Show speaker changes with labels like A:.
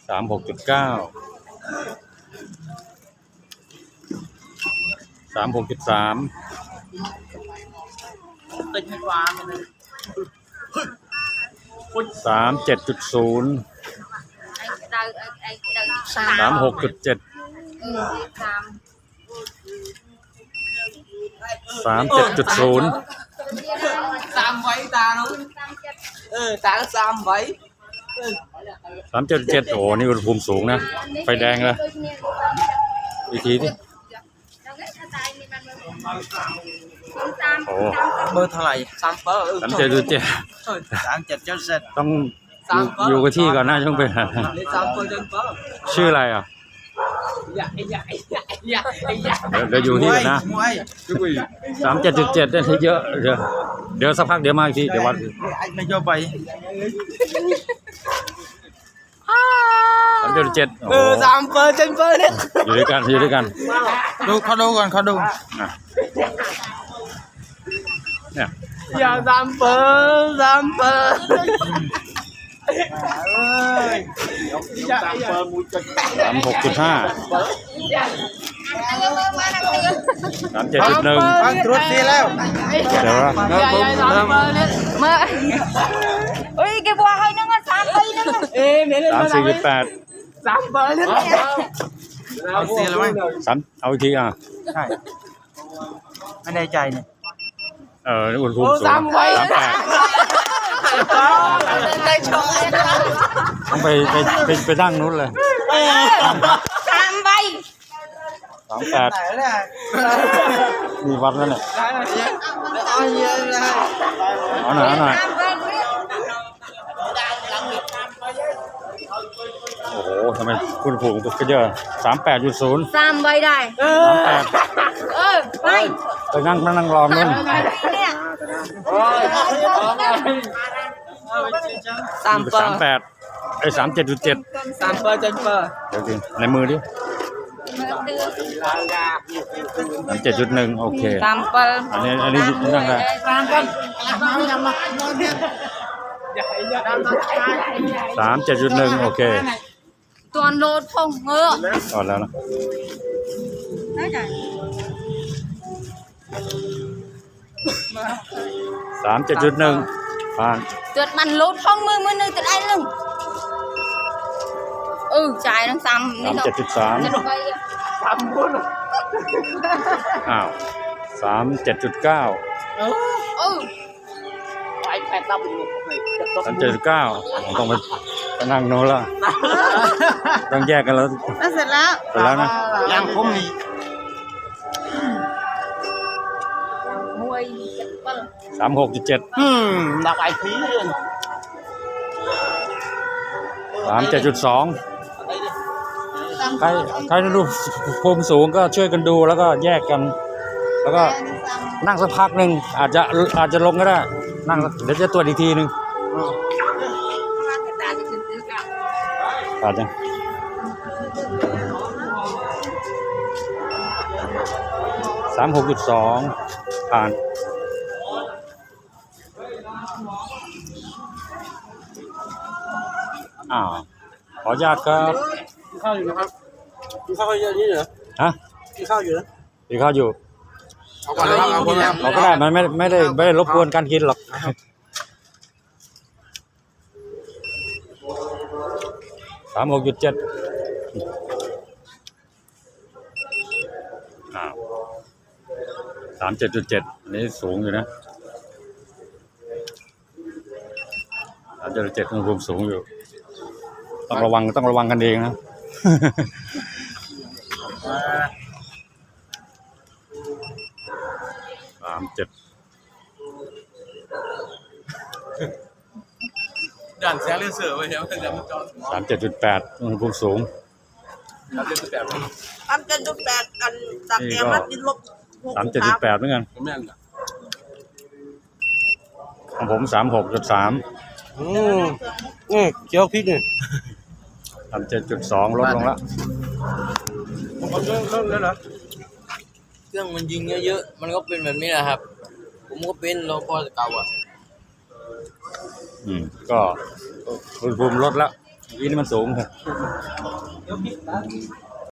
A: 36.9 36.3 37.0 36.7 37.0
B: 37 ta luôn. Ta có 37.
A: 37.7 โอ้นี่อุณหภูมิสูงนะไฟแดงเลยอีกทีดิโอ้
B: Bơ thằng này
A: 37.7
B: 37.7
A: ต้องอยู่กับที่ก่อนนะช่วงเป็นชื่ออะไรอ่ะเดี๋ยวอยู่ที่ก่อนนะ37.7ได้ที่เยอะเดี๋ยวสักพักเดี๋ยวมาอีกทีเดี๋ยววัด
B: anh mày cho bay
A: 37โอ้
B: 37 đấy
A: อยู่ด้วยกัน
B: ดูเขาดูก่อนเขาดู
A: เนี่ย
B: อย่า37
A: 36.5 37.1
B: ตรวจทีแล้ว
A: เดี๋ยวนะ
C: mà ôi cái bò hơi nó ngon sám hơi nó
A: 34.8
B: เอาเสียแล้วมั้ง
A: เอาอีกทีอ่ะ
B: ใช่ไม่แน่ใจเนี่ย
A: อุณหภูมิสูง38ต้องไปนั่งนู้นเลย
C: sám bay
A: 38มีวัดแล้วเนี่ยเอาหน่อยโอ้โหทำไมคุณผูกก็เยอะ38.0
C: sám bay đây
A: 38
C: bay
A: ไปนั่งรอนู่น 38ไอ้37.7 เดี๋ยวดิในมือดิ37.1 โอเค
C: sám bay
A: อันนี้นั่งได้ 37.1 โอเค
C: toàn lột không ngựa
A: ก่อนแล้วนะ
C: đấy này
A: 37.1 ผ่าน
C: tuyệt bàn lột không mưa nơi tuyệt anh lưng trái nó sám
A: 37.3 อ้าว 37.9 37.9 ผมต้องไปนั่งโน้นแล้วต้องแยกกันแล้ว
C: nó xiệtแล้ว
A: เสร็จแล้วนะ
B: ยังผมมี
C: mùi
A: 36.7
B: ดับไอพีเลย
A: 37.2 ใครดูภูมิสูงก็ช่วยกันดูแล้วก็แยกกัน แล้วก็นั่งสักพักหนึ่งอาจจะลงก็ได้นั่งเดี๋ยวจะตรวจอีกทีนึงอาจจะ36.2 ผ่านขออนุญาตครับ
B: กินข้าวอยู่นะครับกินข้าวเยอะนี่เหรอ
A: ฮะ
B: กินข้าวอยู่นะ
A: กินข้าวอยู่
B: เอาก่อนเลยครับ
A: เราก็ได้มันไม่ได้รบกวนการกินหรอก36.7 37.7 นี่สูงอยู่นะ37อุณหภูมิสูงอยู่ต้องระวังกันเองนะ 37
B: ด่านแซงเลือดเสือไว้เนี่ยมันจะมันจอด
A: 37.8 อุณหภูมิสูง
D: 37.8อันจากแอมนัดดินลบ
A: 37.8 เหมือนกัน
B: ผมแม่นอ่ะ
A: ของผม 36.3
B: เจียวพริกเนี่ย
A: 37.2 ลดลงแล้ว
B: ผมเอาเรื่องแล้วเหรอ
E: เครื่องมันยิงเยอะๆ มันก็เป็นแบบนี้แหละครับ ผมก็เป็นรปภเก่าอ่ะ
A: ก็อุณหภูมิลดแล้วยี่นี่มันสูงครับ